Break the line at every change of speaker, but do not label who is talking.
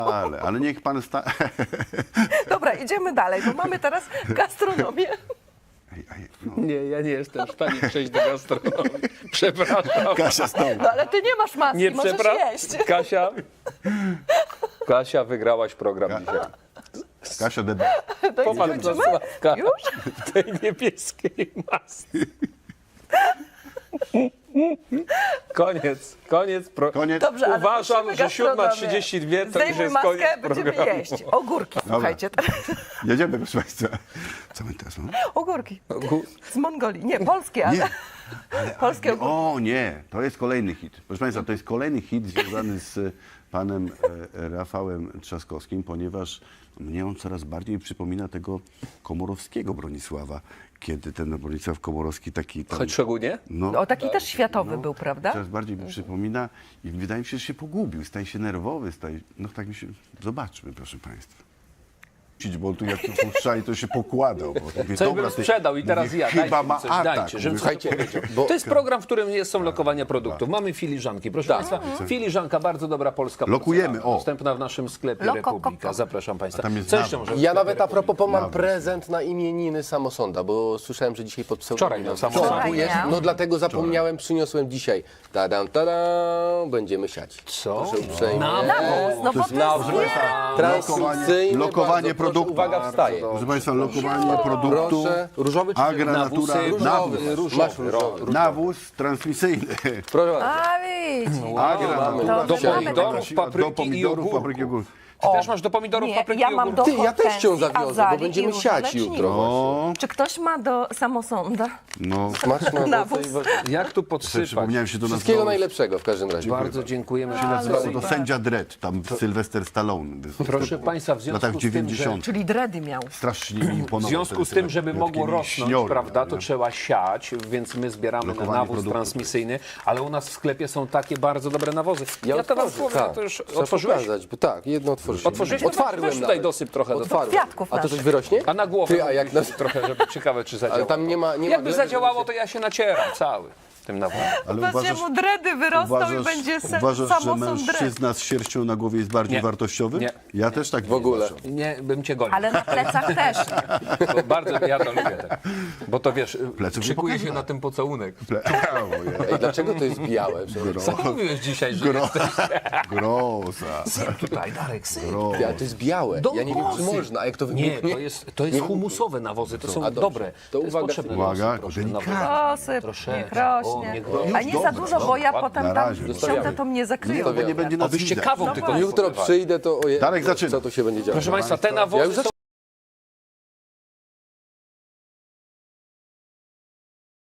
Ale niech pan
Dobra, idziemy dalej, bo mamy teraz gastronomię.
no.
Nie, ja nie jestem w stanie przejść do gastronomii. Przepraszam.
Kasia znowu.
No ale ty nie masz maski,
Nie
możesz
przepraszam.
jeść.
Kasia, wygrałaś program dzisiaj.
Kasia deba.
To
Popatrz
idziemy?
na Sławka
Już?
w tej niebieskiej masce. Koniec.
Koniec.
Dobrze, ale
Uważam,
kończymy
że
gastronomię.
7:32 to już
Zdejmuj
jest
maskę,
koniec
będziemy
programu.
jeść. Ogórki, słuchajcie.
Jedziemy, proszę państwa. Co my teraz mamy?
Ogórki. Z Mongolii. Nie, polskie, ale...
Nie.
Polskie ogórki.
O nie, to jest kolejny hit. Proszę państwa, to jest kolejny hit związany z panem Rafałem Trzaskowskim, ponieważ mnie on coraz bardziej przypomina tego Komorowskiego Bronisława, kiedy ten Bronisław Komorowski taki... Tam,
Choć szczególnie?
no,
O, taki też światowy był, prawda?
coraz bardziej mi przypomina i wydaje mi się, że się pogubił, staje się nerwowy, no tak mi się... Zobaczmy, proszę państwa. Bo tu jak tu puszczali, to się pokładał. Bo mówię,
Coś
dobra,
bym
ty-
sprzedał i teraz
mówię,
ja.
Chyba
Dajcie mi
ma
coś,
atak.
dajcie, żebym
Mówię,
coś powiedział. To jest program, w którym są lokowania produktów. Mamy filiżanki. Proszę Państwa, filiżanka, bardzo dobra polska
Lokujemy,
porcelana,
o.
dostępna w naszym sklepie
Loko,
Republika.
koko.
Zapraszam Państwa.
tam jest
Co jeszcze
nawóz.
może w
Ja
sklepie
nawet a propos
Republika?
mam prezent na imieniny Samosąda, bo słyszałem, że dzisiaj pod
Wczoraj miał Samosąd.
Wczoraj miał.
No dlatego zapomniałem, przyniosłem dzisiaj. Tadam, tadam, będziemy siać.
Co?
Proszę uprzejmie.
Nawóz, no bo to jest...
Transmisyjny,
Lokowanie
bardzo
produktu.
Proszę, uwaga, wstaje.
Proszę państwa, lokowanie produktu.
Proszę, różowy czy
Agra Natura,
Nawóz,
nawóz.
Masz różowy.
Nawóz transmisyjny.
Proszę bardzo.
A widzisz.
Agra Natura.
Do
Mamy
pomidorów,
Do
papryki i
pomidorów,
ogórków.
papryki i ogórków.
Ty też masz do pomidorów,
Nie,
papryki
ja
i
mam do
ogórków?
Ty, ja też cię
hortensji,
zawiozę, bo
azalii
będziemy
i
siać
różołeczników.
jutro.
O,
Czy ktoś ma do samosąda?
no.
Smaczne
Nawóz.
Jak tu podsypać?
Przypomniałem się do nas.
Wszystkiego najlepszego w każdym razie.
Bardzo dziękujemy.
To sędzia Dredd, tam Sylwester Stallone.
Proszę Państwa, w
W latach
związku z tym, że
90.
Czyli dredy miał.
Strasznie mi imponował.
W związku
ten
z tym, żeby
jak
mogło
mieli
rosnąć,
śniory,
prawda, to
nie?
trzeba siać, więc my zbieramy na
Lokowanie
nawóz
produktów.
transmisyjny, ale u nas w sklepie są takie bardzo dobre nawozy. Ja to wam
otworzę,
powiem,
tak.
to już
Trzeba
otworzyłeś?
pokazać, bo tak, jedno otworzyłem.
Otworzyłeś? No weź
Otwarłem
tutaj
nawet.
dosyp trochę do
Otwarłem.
kwiatków
A to coś
naszych.
wyrośnie?
A na głowę
Ty, a jak na...
trochę, żeby ciekawe, czy zadziałało.
Ale tam nie ma...
Jakby
gleby,
zadziałało, to ja się nacieram cały tym nawozem.
Ale
Właśnie mu dredy wyrosną i będzie
uważasz, że
samosąd dred.
mężczyzna z sierścią na głowie jest bardziej
Nie.
wartościowy?
Nie.
Ja też tak
W ogóle.
uważam.
Nie, bym cię gonił.
Ale na plecach też nie.
Bo bardzo, ja to lubię. Tak. Bo to wiesz,
Pleców nie
szykuje się
pokazywałem.
na tym pocałunek.
Ej, dlaczego to jest białe?
Co mówiłeś dzisiaj, że
Groza.
tutaj, Darek, syn.
Ja, to jest białe. Ja nie wiem, czy można, a jak to
Nie,
wybuchnie?
to jest humusowe nawozy, to są
A dobrze.
dobre.
To
jest
uwaga.
potrzebne.
Uwaga,
proszę,
delikatnie.
nawozy.
Osyp,
Troszeczkę.
niech rośnie.
O, niech rośnie.
A nie za dużo, bo ja potem
Na
tam
razie.
siądę, to mnie zakryją.
Zostawiamy.
Nie będzie nas
Obyście
widać.
kawą
No
tylko
właśnie.
nie
Jutro
wpływali.
przyjdę, to ojej,
Darek, zaczyna.
co tu się będzie działo?
Proszę Państwa, te
Ja
nawozy
już
są